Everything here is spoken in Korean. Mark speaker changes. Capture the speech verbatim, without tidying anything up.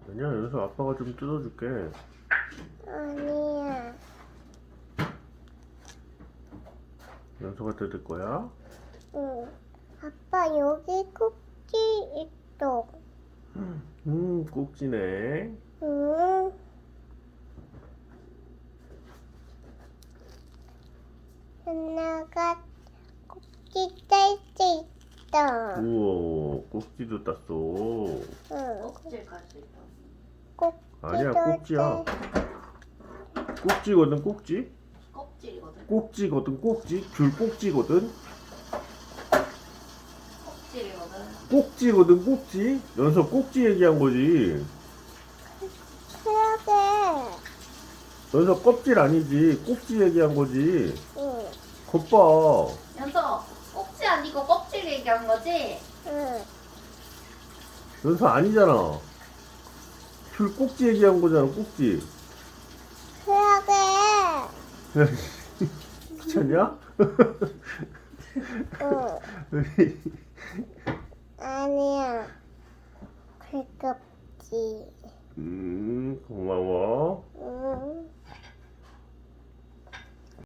Speaker 1: 아니야, 여기서 아빠가 좀 뜯어줄게.
Speaker 2: 아니야.
Speaker 1: 연서가 뜯을 거야?
Speaker 2: 응. 아빠 여기 꼭지 있어.
Speaker 1: 음, 꼭지네.
Speaker 2: 응. 하나가 꼭지 뗄 수 있어.
Speaker 1: 우와, 꼭지도 땄어.
Speaker 2: 응.
Speaker 3: 껍질까지.
Speaker 2: 꼭지
Speaker 1: 아니야,
Speaker 2: 뗄
Speaker 1: 꼭지야.
Speaker 2: 때-
Speaker 1: 꼭지거든, 꼭지.
Speaker 3: 껍질이거든.
Speaker 1: 꼭지거든, 꼭지. 귤 꼭지거든.
Speaker 3: 껍질이거든.
Speaker 1: 꼭지거든, 꼭지. 연서 꼭지 얘기한 거지.
Speaker 2: 그러게.
Speaker 1: 연서 껍질 아니지. 꼭지 얘기한 거지.
Speaker 2: 응.
Speaker 1: 겉봐.
Speaker 3: 연서 꼭지 아니고 껍질 얘기한 거지?
Speaker 2: 응.
Speaker 1: 연서 아니잖아. 귤 꼭지 얘기한 거잖아, 꼭지.
Speaker 2: 그러게.
Speaker 1: 귀찮냐?
Speaker 2: 응. 아니야. 그 꼭지.
Speaker 1: 음, 고마워.